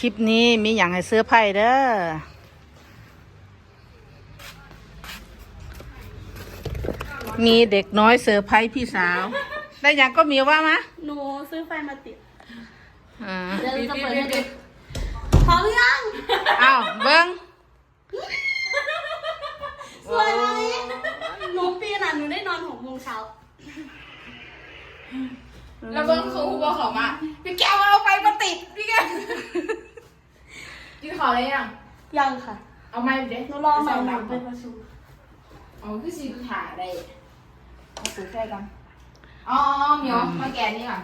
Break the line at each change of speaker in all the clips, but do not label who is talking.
คลิปนี้มีอย่างให้เสื้อไผ่เด้อมีเด็กน้อยเซอร์ไพรส์พี่สาวได้อย่างก็มีว่ามะ
หนูซื้อไฟมาติด
อ่า
เดี๋ยวจะเปิดให้ดูพร้อมยัง
อ้าวเบิ้ง
สวยไหมหนูปีน่ะหนูได้นอน6 โมงเช้า
แล้วเบิ้งเขาบอกเขามาพี่แก้วเอาไฟมาติดพี่แก้วกินขออะไรยัง
ยังค่ะ
เอาไม้เด็ก
หนูรอใหม่หนูไปประชุม
อ๋อคือซีถ่ายอะไรเอาสูตรแค่กันอ๋อเหมียวมาแกะนี่ก่อน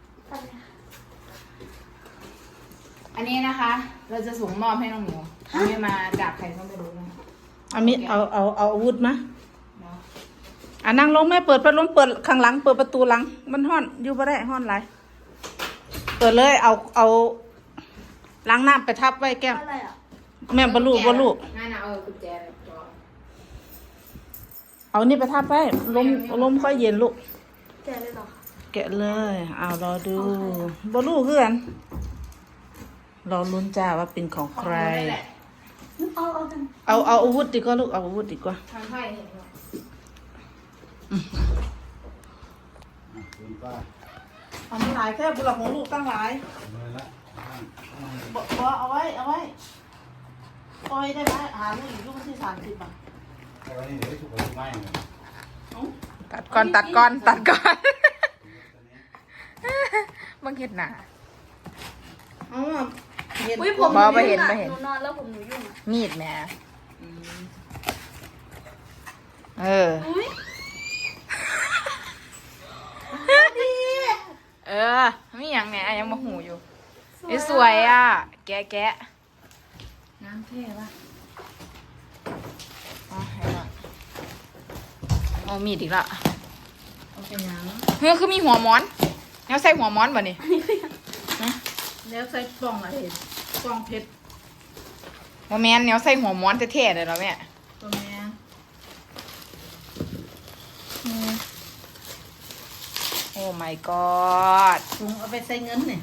อันนี้นะคะ เราจะส่งมอบให้น้องเหมียวอันนี้มาจากใครก็ไม่รู้นะ
เอามีเอาอาวุธมาอ่ะนั่งลงแม่เปิดพัดลมเปิดข้างหลังเปิดประตูหลังมันห้อนอยู่บ่ได้ห้อนไรเปิดเลยเอาล้างน้ำไปทับไว้แก้ม
อะไรอ่ะ
แม่บรรลุ
นั่นนะกุญแจจอ
เอานี่ไปทับไว้ลมค่อยเย็นลูก
แกเลยเหรอคะ
แกะเลยเอารอดูบรรลุเพื่อนรอลุ้นจ้าว่าเป็นของใคร
เอากัน
เอาอาวุธดีกว่าลูกเอาอาวุธดีกว่า
ทางไพ่เห็นไหม
คุณป้า
เอามาหลายแค่บุหลักของลูกตั้งหลาย
เมื่อละ
บ่เอาไว้ปล่อยได้ไหมหาเรื่องอีกลูกที่30อ่ะ
แต่วันนี้เดี๋ยวถูกกับไม้เลย
ตัดก่อนบังเห็ดหนา
เอาอ่ะเห็น
อุ้ยผม
บ่ไป
ยุ่ง
เห็น
อะ
บ่เห็น
หนูนอนแล้วผมหนูยุ่งอ่ะ
มีดแหม่เออ
อุ้ย
เออมีอย่างเนี่ยยังมาหูอยู่นี่สวยอ่ะ แกะน้ำเท่ป่ะอ๋อให้หน่อยเอามีดอีกละ
เอาไปยัง
เฮ้ยคือมีหัวม้อนแล้วใส่หัวม้อนป่ะนี่
แล้วใส่กล่องอะไรกล่องเพชร
ว่าแม่นเนี่ยใส่หัวม้อนเท่ๆเลยแล้วแม่
ตัวแม่
โอ้ my god
ถุงเอาไปใส่เงินเนี่ย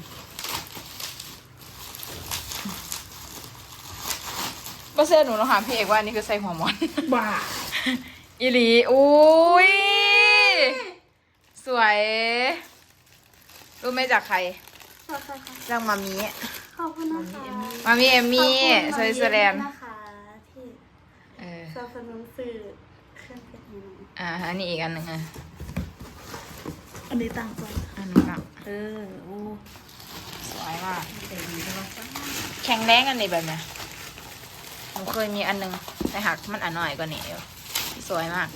ก็เสื้อหนูเราถามพี่เอกว่าอันนี่คือใส่หัวม้อน
บ้า
อีหลีอุ้ยสวยรู้ไหมจากใคร
ขอบคุณค่ะ
จากมามี
ขอบคุณนะคะ
มามีเอมมี่
ขอบคุณ
สวิตเซอร์แลนด์
นะคะที่
เออ
สนับสนุนสื่อเครื่องเพชรหนู
อันนี้อีกอันหนึ่งอ่ะ
อันนี้ตั้งก่อน
อันนี้อ่ะ
โอ้
สวยมาก
เต็มใช่ไหม
แข็งแรงอันนี้แบบเนี้ยหนูเคยมีอันหนึงแต่หักมันอันหน่อยกว่านี้อยู่สวยมาก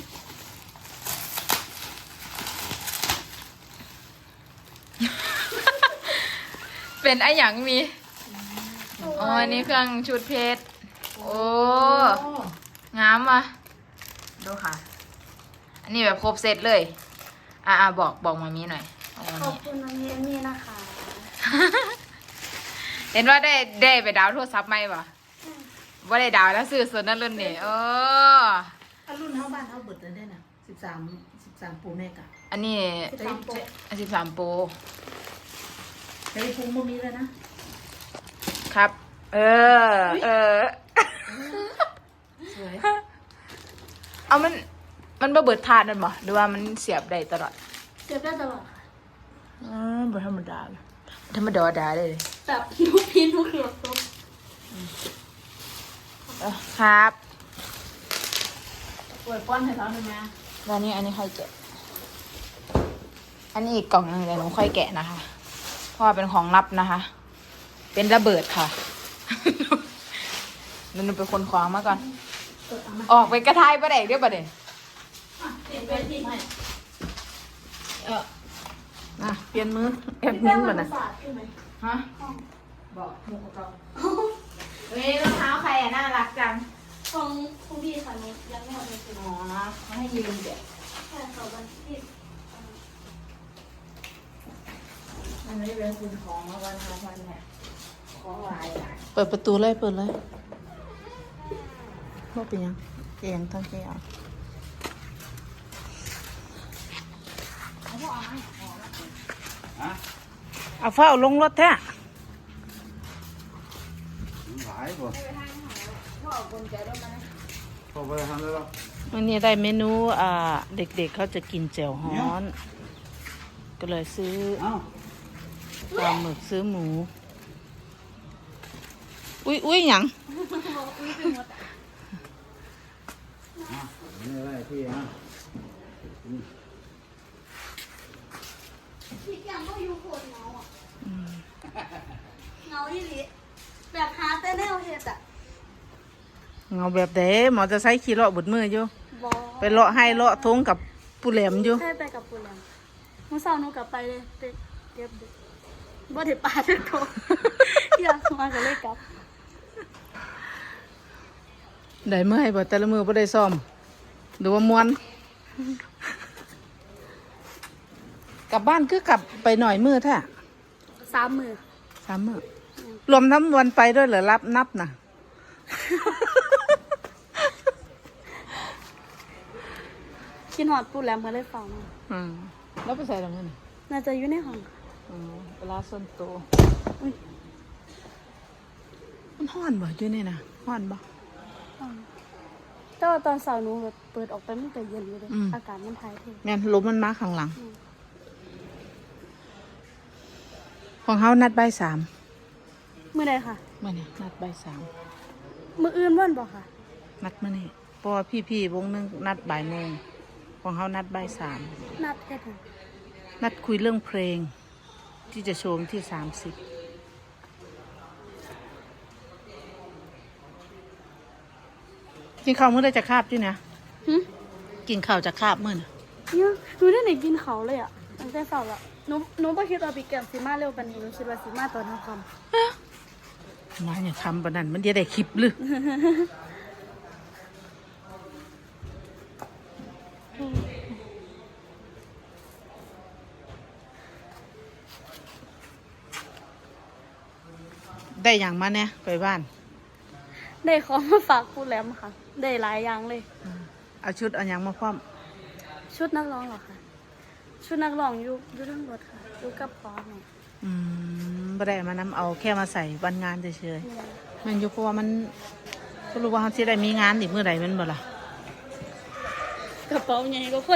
เป็นไอหยังมีอ๋ออันนี้เครื่องชุดเพชรโอ้งามว่ะดูค่ะ อันนี้แบบครบเซตเลยบอกมามีหน่อยบอกมา
ขอบ
มี
คุณน้องเยมี่นะคะ
เห็นว่าได้ไปดาวน์โทรศัพท์ไหมปะว่าได้ดาวน์แล้วซื้อส่วนนั้นรุ่นนี่
อันรุ่นเท่าบ้านเท่าเบิดเลยได้น่ะ13 ปูแม่กะ
อันนี้
13 โปร
13 โปร
แต่ไอ้พุงบ่มีเลยนะครับ
เออ
สวย
เอามันบ่เบิดทานนั่นบ่หรือว่ามันเสียบได้ตลอด
เก็บได้ตลอดค่ะ
บ่ธรรมดาเลยธรรมดาเลย
แบบทุกพีทุกเขียวทุก
ครับ
ปวยป้อนให้เขาได้ไหม
แล้วนี่อันนี้ค่อยแกะ อันนี้อีกกล่องหนึงเดี๋ยวหนูค่อยแกะนะคะ เพราะว่าเป็นของลับนะคะ เป็นระเบิดค่ะ หนูไปคนของมาก่อน ออกไปกระทายประเด็กเดี๋ยวประเด็น
เปลี่ยนไปที่ไหนเปลี่ยนมือแอบนิ้วก่อนนะ
ศาสตร์ใช่ไหม
ฮะ บอกหมูกรอบเฮ้ยรองเท้าใครอ่ะน่ารักจัง
ของพี่ค่ะหนูยังไม่เอาไปซื้อ
อ๋อเขาให้ยืมเด็ก
แค่เขาวันที่
มันไม่เป็นคุณของมาวันทาวันเนี่ยของหลายหลาย
เปิดประตูเลยเปิดเลยว่าเป็นยังเองทั้งแกเอาเอาเฝ้าลงรถแท้
ายบ่
พ่อคนใจด้วยมันนะ
พอไปทำได้แล้ว
วันนี้ได้เมนูเด็กๆเขาจะกินแจ่วฮ้อน ก็เลยซื้อ
เอ้า
ปลาหมึกซื้อหมู อุ้ยหยัง
นี่อะไรพี่ฮะ
พี่แกมก็อยู่โคตรเงาอ่ะเงาอีหลีแบบหาแต่แนวเฮ็ดอ่ะ
เงาแบบเด้หมอจะใช้ขี่เลาะบุดมืออยู่
บอ
ไปเลาะให้เลาะทงกับปูแหลมอยู่
ให้ไปกับปูแลมเมื่อเช้าหนูกลับไปเลยไปเก็บเด็กบ่ได้ปลาทุกคนอยากมาก็เลยกลับ
ได้เมื่อให้บ่แต่ละมือบ่ได้ซ่อมดูว่ามวนกลับบ้านคือกลับไปหน่อยมือแท้
3 มื้อ
3 มื้อรวมทั้งวันไปด้วยเหรอรับนับน่ะ
กินหอดปูแลมก็เลยฟังมา
แล้วไปใส่ตรงนั้น
น่าจะอยู่ในห้อง
เวลาส่วนตัว
อุ้ย
มันฮ้อนบ่อยู่นี่นะฮ้อนบ่
แต่ว่าตอนเช้าหนูแบบเปิดออกไปมันก็เย็นอยู่เลย
อืม
อากาศมันถ่ายเท
แม่นลมมันมาข้างหลัง ของเฮานัดบ่ายสาม
มื้อใดค่ะ
มื้อนี้นัดบ่ายสาม
มื้ออื่นวันบ่ค่ะ
นัดมื้อนี้เพราะว่าพี่ๆวงหนึงนัดบ่ายโมงของเฮานัดบ่ายสาม
นัดแค่ถึง
นัดคุยเรื่องเพลง ที่จะโชว์วันที่30กินข้าวมื้อได้จะคาบด้วยนะ
หึ
กินข้าวจะคาบมื้อนะ
เนี่ยหนูได้ไหนกินเขาวเลยอ่ะตั้งแต่เช้าละหนูบ่คิดว่าพี่แก้มสิมาเร็วปานนี้หนูคิดว่าสิมาตอนค่
มาอย่าทำปานนั้นมันจะได้คลิปหรือ ได้อย่างมาเนี่ยไปบ้าน
ำได้ของมาฝากปูแลมค่ะ ได้หลายอย่างเลย
เอาชุดเอาอย่างมาพร้อม
ชุดนักร้องเหรอคะชุดนักร้องอยู่ทั้งรถค่ะอยู่กับพอแม่
บ่ได้เอามานำเอาแค่มาใส่วันงานเฉยๆมันอยู่เพราะว่ามันก็รู้ว่าเขาสิได้มีงานอีกเมื่อใดแมันบ่ล่ะ
กระเป๋าใหญ่ก็คน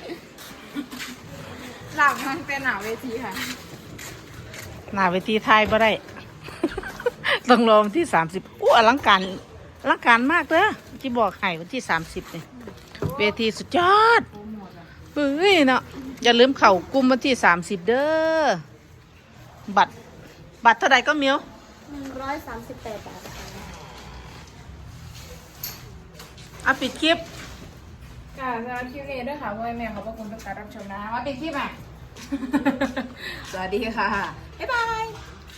หลังมันเป็นหนาเวทีค่ะ
หน้าเวทีไทยบ่ได้ ต้องรอวันที่30อู้อลังการมากเด้อที่บอกให้วันที่30นี่เวทีสุดยอดเฮ้ยเนาะอย่าลืมเข้ากลุ่มวันที่30เด้อบัตรเท่าใดก็เมียว
138 บาทค่ะ
เอาปิดคลิป
ค่ะสำหรับคลิปนี้ด้วยค่ะพ่อแม่ขอบพระคุณทุกการรับชมนะมาปิดคลิปอ่ะ สวัสดีค่ะ บ๊ายบาย